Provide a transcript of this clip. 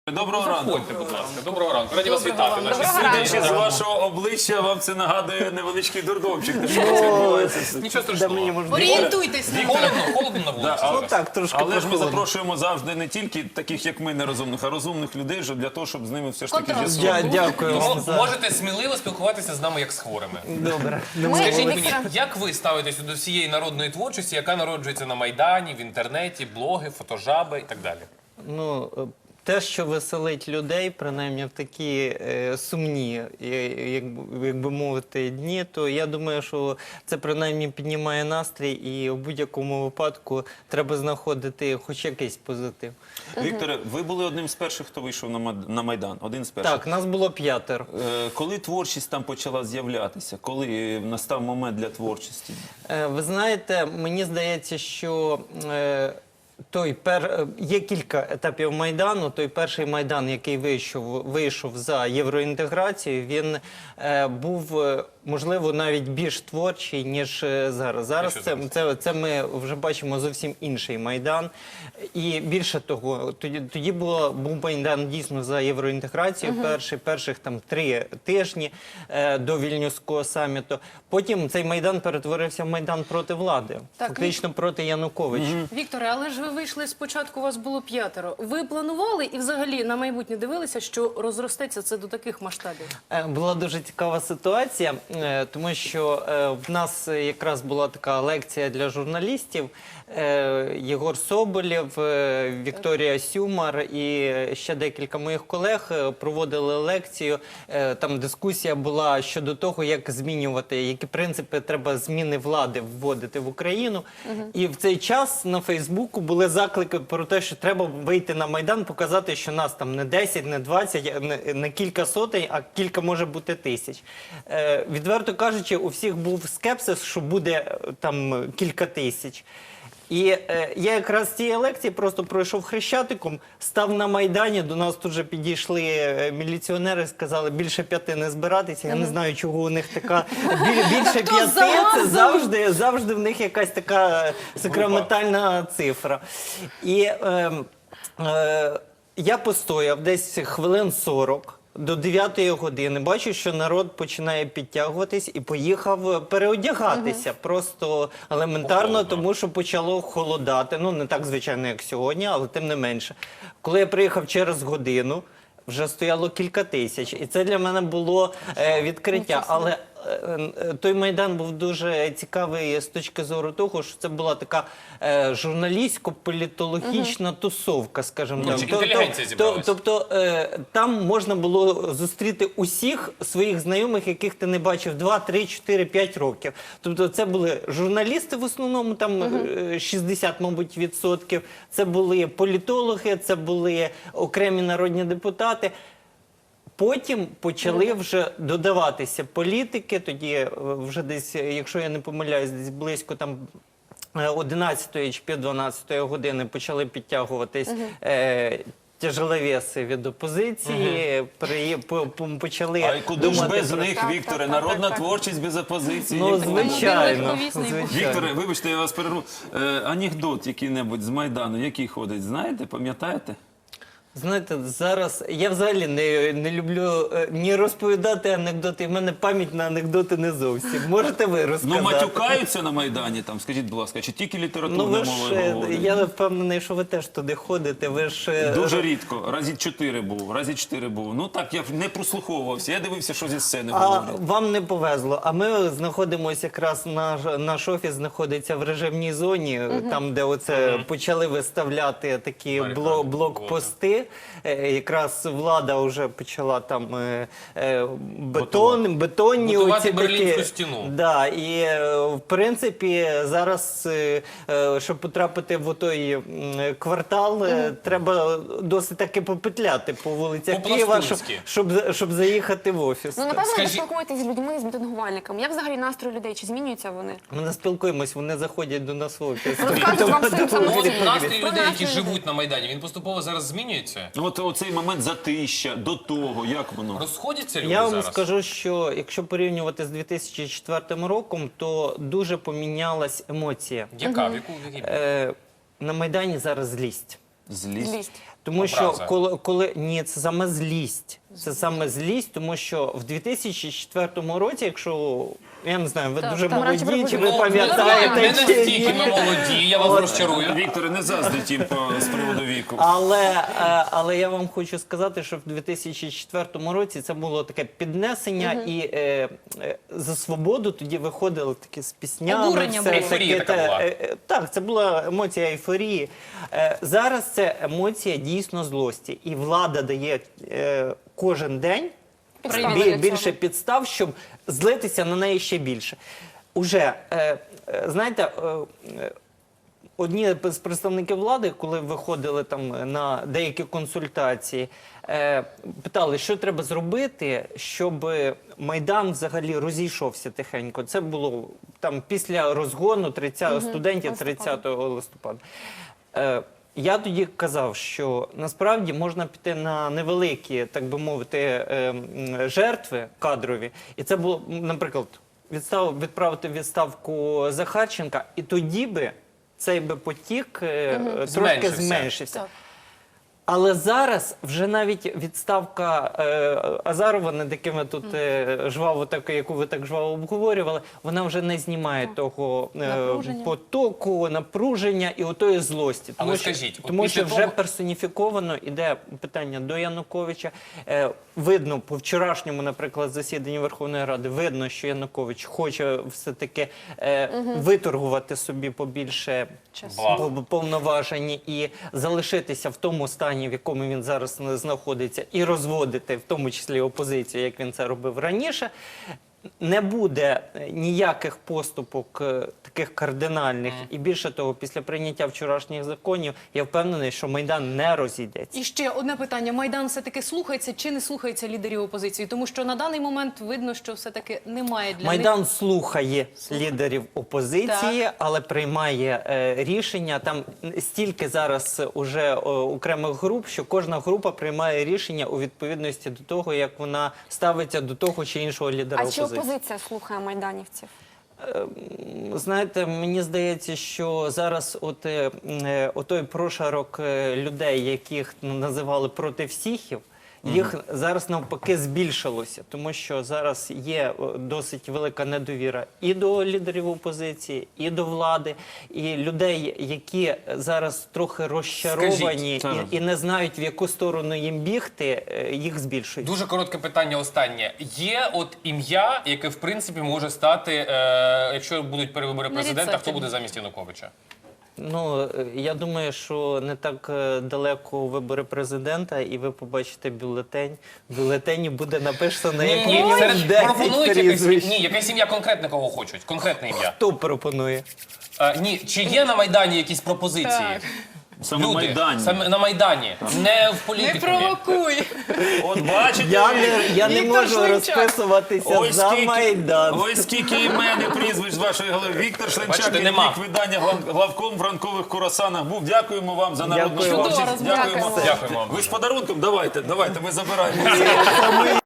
Доброго ранку. Заходьте, будь ласка. Доброго ранку. Раді вас вітати. Наші Судячи з вашого обличчя, вам це нагадує невеличкий дурдомчик. Нічого страшного. Орієнтуйтесь на мене. Холодно на вулиці. але, так, трошки але ж ми прохолодно. запрошуємо завжди не тільки таких, як ми, нерозумних, а розумних людей, для того, щоб з ними все ж таки Контроль. з'ясувати. Дякую вам Тому за... можете сміливо спілкуватися з нами як з хворими. Добре. Скажіть мені, Віктора. як ви ставитесь до всієї народної творчості, яка народжується на Майдані, в інтернеті, блоги, фотожаби і так далі? Ну, те, що веселить людей, принаймні в такі сумні, як би мовити, дні, то я думаю, що це принаймні піднімає настрій і в будь-якому випадку треба знаходити хоч якийсь позитив. Вікторе, ви були одним з перших, хто вийшов на Майдан. Один з перших. Так, нас було 5. Коли творчість там почала з'являтися? Коли настав момент для творчості? Ви знаєте, мені здається, що є кілька етапів Майдану. Той перший Майдан, який вийшов за євроінтеграцію, він був, можливо, навіть більш творчий, ніж зараз. Зараз це ми вже бачимо зовсім інший Майдан. І більше того, тоді був Майдан дійсно за євроінтеграцію, перших там 3 тижні до Вільнюського саміту. Потім цей Майдан перетворився в Майдан проти влади, Так, фактично проти Януковича. Вікторе, але ж ви вийшли спочатку, у вас було 5. Ви планували і взагалі на майбутнє дивилися, що розростеться це до таких масштабів? Була дуже цікава ситуація, тому що в нас якраз була така лекція для журналістів. Єгор Соболєв, Вікторія Сюмар і ще декілька моїх колег проводили лекцію. Там дискусія була щодо того, як змінювати, які принципи треба зміни влади вводити в Україну. І в цей час на Фейсбуку були заклики про те, що треба вийти на Майдан, показати, що нас там не 10, не 20, не кілька сотень, а кілька може бути тисяч. Відверто кажучи, у всіх був скепсис, що буде там кілька тисяч. І я якраз з цієї лекції просто пройшов Хрещатиком, став на Майдані, до нас тут же підійшли міліціонери, сказали, більше 5 не збиратися. Я не знаю, чого у них така більше 5, це завжди в них якась така сакраментальна цифра. І я постояв десь хвилин 40. До 9 години бачу, що народ починає підтягуватись і поїхав переодягатися. Просто елементарно, тому що почало холодати. Ну, не так, звичайно, як сьогодні, але тим не менше. Коли я приїхав через годину, вже стояло кілька тисяч. І це для мене було відкриття. Але той Майдан був дуже цікавий з точки зору того, що це була така журналістсько-політологічна тусовка, скажімо так. Інтелігенція зібралась. Тобто там можна було зустріти усіх своїх знайомих, яких ти не бачив 2, 3, 4, 5 років. Тобто це були журналісти в основному, там 60, мабуть, відсотків, це були політологи, це були окремі народні депутати. Потім почали вже додаватися політики, тоді вже десь, якщо я не помиляюсь, десь близько там 11 чи 12 години почали підтягуватись тяжеловеси від опозиції, почали А й куди ж без про- них, Вікторе? Народна творчість без опозиції. Ну, ніколи. звичайно. Вікторе, вибачте, я вас перерву. Анекдот який-небудь з Майдану, який ходить, знаєте, пам'ятаєте? Знаєте, зараз я взагалі не люблю ні розповідати анекдоти, в мене пам'ять на анекдоти не зовсім. Можете ви розказати? Ну, матюкаються на Майдані, там, скажіть, будь ласка, чи тільки Ну, літературною ви мовою ж, говорять? я впевнений, що ви теж туди ходите, ви ж... Дуже рідко, разі 4 був. Ну так, я не прослуховувався, я дивився, що зі сцени А говорять. вам не повезло. А ми знаходимося якраз, наш офіс знаходиться в режимній зоні, там, де оце почали виставляти такі блокпости. Якраз влада вже почала там бетонні Готувати оці Берлінську такі. стіну. Да, і в принципі зараз, щоб потрапити в той квартал, треба досить таки попетляти по вулицях Києва, По-пластунськи. щоб заїхати в офіс. Ну, напевно, ви Скажіть- спілкуєтесь з людьми, з мітингувальниками. Як взагалі настрої людей? Чи змінюються вони? Ми не спілкуємось, вони заходять до нас в офіс. Розказують вам своїм Ну, самотнім. настрій людей, які настрій живуть на Майдані, він поступово зараз змінюється? От оцей момент затища, до того, як воно? Розходяться люди Я вам зараз? скажу, що якщо порівнювати з 2004 роком, то дуже помінялась емоція. Яка? В якій? На Майдані зараз злість. Злість. Злість. Тому Образа. що коли ні, це саме злість. Це саме злість, тому що в 2004 році, якщо я не знаю, ви дуже Раніше молоді, чи ви приблизно. Не пам'ятаєте, чи настільки ні. ми молоді, я вас розчарую. Вікторе, не заздріть їм з приводу віку. Але я вам хочу сказати, що в 2004 році це було таке піднесення, і за свободу тоді виходили такі з піснями. Обурення було. Ейфорія така була. Так, це була емоція ейфорії. Зараз це емоція дійсно злості. І влада дає кожен день Підстави для цього. більше підстав, щоб злитися на неї ще більше. Уже, знаєте, одні з представників влади, коли виходили там на деякі консультації, питали, що треба зробити, щоб Майдан взагалі розійшовся тихенько. Це було там після розгону студентів 30 листопада. Я тоді казав, що насправді можна піти на невеликі, так би мовити, жертви кадрові. І це було, наприклад, відправити в відставку Захарченка, і тоді би цей би потік трошки Зменшився. зменшився. Так. Але зараз вже навіть відставка Азарова, над яким ми тут жваво, яку ви так жваво обговорювали, вона вже не знімає того Напруження. потоку, напруження і отої злості. Але скажіть, от тому що після вже того- персоніфіковано іде питання до Януковича. Видно по вчорашньому, наприклад, засіданні Верховної Ради, видно, що Янукович хоче все-таки виторгувати собі побільше повноважень і залишитися в тому стані, в якому він зараз знаходиться, і розводити, в тому числі опозицію, як він це робив раніше. Не буде ніяких поступок таких кардинальних. І більше того, після прийняття вчорашніх законів, я впевнений, що Майдан не розійдеться. І ще одне питання. Майдан все-таки слухається чи не слухається лідерів опозиції? Тому що на даний момент видно, що все-таки немає для Майдан слухає лідерів опозиції, але приймає рішення. Там стільки зараз уже окремих груп, що кожна група приймає рішення у відповідності до того, як вона ставиться до того чи іншого лідера А чи опозиції. опозиція слухає майданівців? Знаєте, мені здається, що зараз отой прошарок людей, яких називали проти всіхів, їх зараз навпаки збільшилося, тому що зараз є досить велика недовіра і до лідерів опозиції, і до влади, і людей, які зараз трохи розчаровані Скажіть, і не знають, в яку сторону їм бігти, їх збільшують. Дуже коротке питання останнє. Є от ім'я, яке в принципі може стати, якщо будуть перевибори президента, хто рецепті. буде замість Януковича? Ну, я думаю, що не так далеко вибори президента, і ви побачите бюлетень. В бюлетені буде написано, як Ні, мінімум серед 10 пропонують якесь, прізвищ. ні, якась ім'я конкретне, кого хочуть. Конкретне ім'я. Хто пропонує? Ні, чи є на Майдані якісь пропозиції? Так. Саме Люди, Майдані. саме на Майдані, не в Не політикумі. провокуй! От бачите, Я не Віктор можу Шлинчак. розписуватися за Майдан. Ой, скільки імен і прізвищ з вашої голови. Віктор Шлинчак, Бачите, керівник нема. видання главком в ранкових курасанах був. Дякуємо вам за народну Дякую вам. творчість. Чудова розмова. Дякуємо. Дякуємо вам Ви дуже. з подарунком давайте, ми забираємо.